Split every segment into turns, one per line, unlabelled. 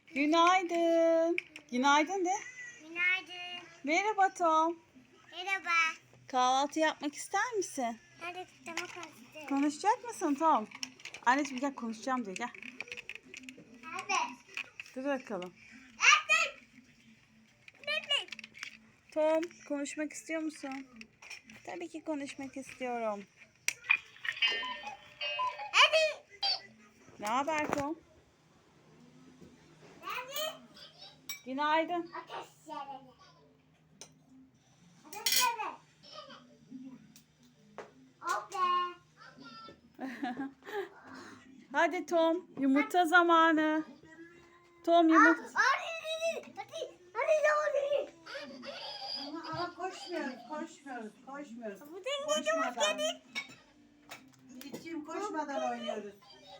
Günaydın. Günaydın de.
Günaydın.
Merhaba Tom.
Merhaba.
Kahvaltı yapmak ister misin?
Hadi tamam konuştuk.
Konuşacak mısın Tom? Anneciğim gel konuşacağım diye gel.
Evet.
Dur bakalım.
Evet. Evet.
Tom konuşmak istiyor musun? Tabii ki konuşmak istiyorum.
Hadi.
Ne haber Tom?
Hadi.
Günaydın.
Ateş yerine. Ateş yerine. Okay.
Hadi Tom yumurta zamanı. Tom yumurta.
Hadi. Hadi. Hadi.
Ama koşmuyoruz.
Bu da
Koşmadan. Yiğit'ciğim koşmadan oynuyoruz.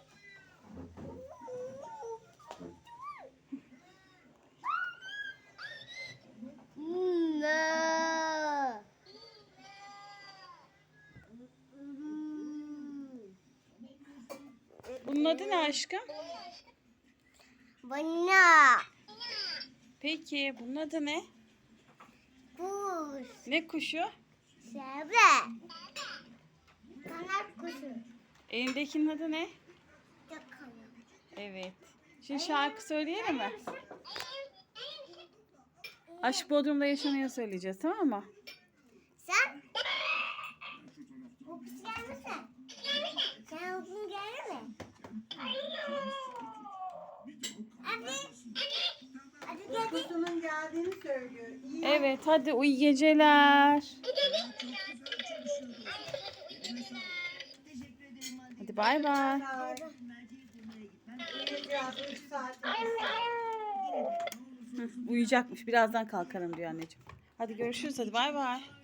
Bunun adı ne aşkım?
Bana.
Peki bunun adı ne?
Kuş.
Ne kuşu?
Şebe. Kanat kuşu.
Elindekinin adı ne?
Yakalım.
Evet. Şimdi şarkı söyleyelim mi? Aşk Bodrum'da yaşanıyor söyleyeceğiz, tamam mı?
Sen? Kokusu gelmesin. Sen okun gelir mi? Hadi. Hadi hadi.
Kutusunun geldiğini söylüyor. İyi.
Evet, hadi iyi geceler. Hadi bay bay.
Bye. Uyuyacağız. 3 saat.
Uyuyacakmış. Birazdan kalkarım diyor anneciğim. Hadi görüşürüz. Hadi bay bay.